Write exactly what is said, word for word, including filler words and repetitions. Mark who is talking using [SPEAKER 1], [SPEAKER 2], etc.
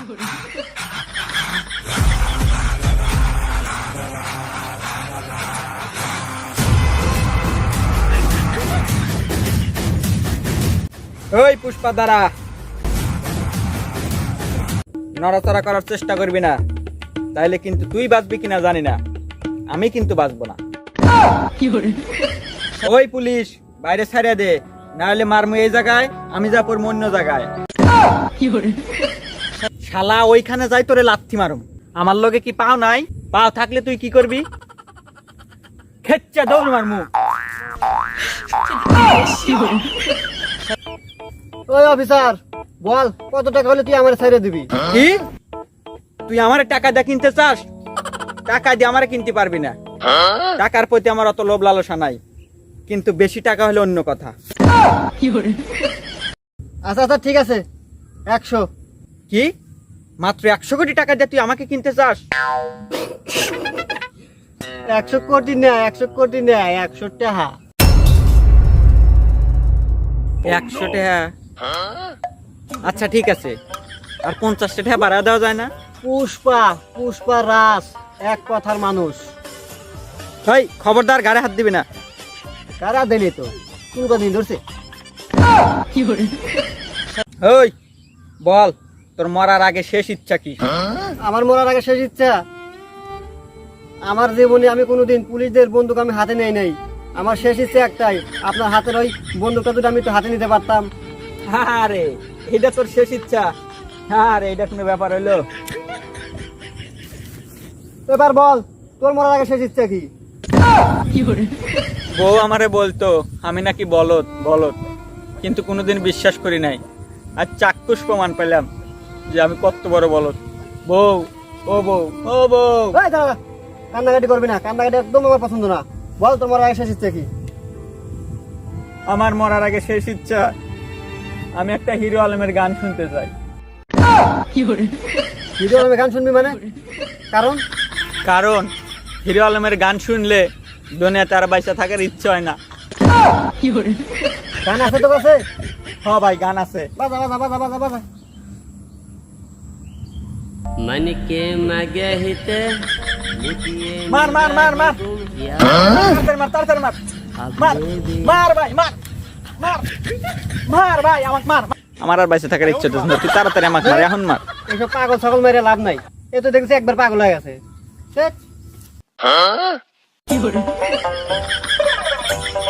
[SPEAKER 1] ওই পুষ্পা দাঁড়া, নড়াচড়া করার চেষ্টা করবি না, তাইলে কিন্তু তুই বাঁচবি কিনা জানি না, আমি কিন্তু বাঁচবো না। ওই পুলিশ বাইরে ছাড়িয়ে দে, না হলে মারমু এই জায়গায়, আমি যা পড়বো অন্য জায়গায়। শালা ওইখানে যাই তোরে লাথি মারুম। আমার লগে কি পাও নাই? পাও থাকলে তুই কি করবি? খেচ্চা দৌড় মারমু।
[SPEAKER 2] ওই অফিসার বল, কত টাকা হলে তুই আমার ছেড়ে দিবি?
[SPEAKER 1] কি তুই আমার টাকা দিয়ে কিনতে চাস? টাকা দিয়ে আমার কিনতে পারবি না, টাকার প্রতি আমার অত লোভ লালসা নাই, কিন্তু বেশি টাকা হলে অন্য কথা।
[SPEAKER 2] আচ্ছা আচ্ছা ঠিক আছে, একশো।
[SPEAKER 1] কি মাত্র একশো কোটি টাকা দিয়ে তুই আমাকে কিনতে চাস?
[SPEAKER 2] একশো কোটি না, একশো কোটি না, একশো টাকা।
[SPEAKER 1] একশো টাকা? আচ্ছা ঠিক আছে, আর পঞ্চাশটা টাকা বাড়া দেওয়া যায় না?
[SPEAKER 2] পুষ্পা পুষ্পা রাস এক কথার মানুষ।
[SPEAKER 1] ভাই খবরদার গাড়ি হাত দিবি না।
[SPEAKER 2] কারা দিলি তো কোন দিন ধরছে?
[SPEAKER 1] ওই বল, তোর মরার আগে শেষ ইচ্ছা কি?
[SPEAKER 2] আমার মরার আগে শেষ ইচ্ছা, আমার জীবনে আমি কোনোদিন পুলিশদের বন্দুক আমি হাতে নেই নাই। আমার শেষ ইচ্ছা একটাই, আপনার হাতের ওই বন্দুকটা যদি আমি একটু হাতে নিতে পারতাম।
[SPEAKER 1] আরে এটা তোর শেষ ইচ্ছা? আরে এটা কোনো ব্যাপার হইলো?
[SPEAKER 2] এবার বল, তোর মরার আগে শেষ ইচ্ছা কি?
[SPEAKER 1] বউ আমারে বলতো আমি নাকি বলদ বলদ, কিন্তু কোনোদিন বিশ্বাস করি নাই। আর চাক্ষুষ প্রমাণ পেলাম যে আমি কত বড় বলদ। বউ, ও বউ, ও বউ।
[SPEAKER 2] এই দাঁড়া, কান্নাকাটি করবি না, কান্নাকাটি একদম আমার পছন্দ না। বল তোর মরার আগে শেষ ইচ্ছা কি?
[SPEAKER 1] আমার মরার আগে শেষ ইচ্ছা, আমি একটা হিরো আলমের গান শুনতে চাই।
[SPEAKER 2] হিরো আলমের গান শুনবি মানে? কারণ
[SPEAKER 1] কারণ হিরো আলমের গান শুনলে দুনিয়াতে আর বাইসা থাকার ইচ্ছা হয় না।
[SPEAKER 2] গান আছে তো কাছে?
[SPEAKER 1] হ ভাই গান আছে।
[SPEAKER 2] বাজা বাজা বাজা বাজা বাজা।
[SPEAKER 3] मन के मगहिते
[SPEAKER 1] মার মার মার মার তাড়াতাড়ি মার তাড়াতাড়ি মার মার মার ভাই মার মার মার ভাই আমাকে মার। আমার আর বাইসা থাকার ইচ্ছা হচ্ছে না, তুই তাড়াতাড়ি আমাকে মার, এখন মার।
[SPEAKER 2] এইসব পাগল ছাগল মেরে লাভ নাই, এ তো দেখছি একবার পাগল হয়ে গেছে।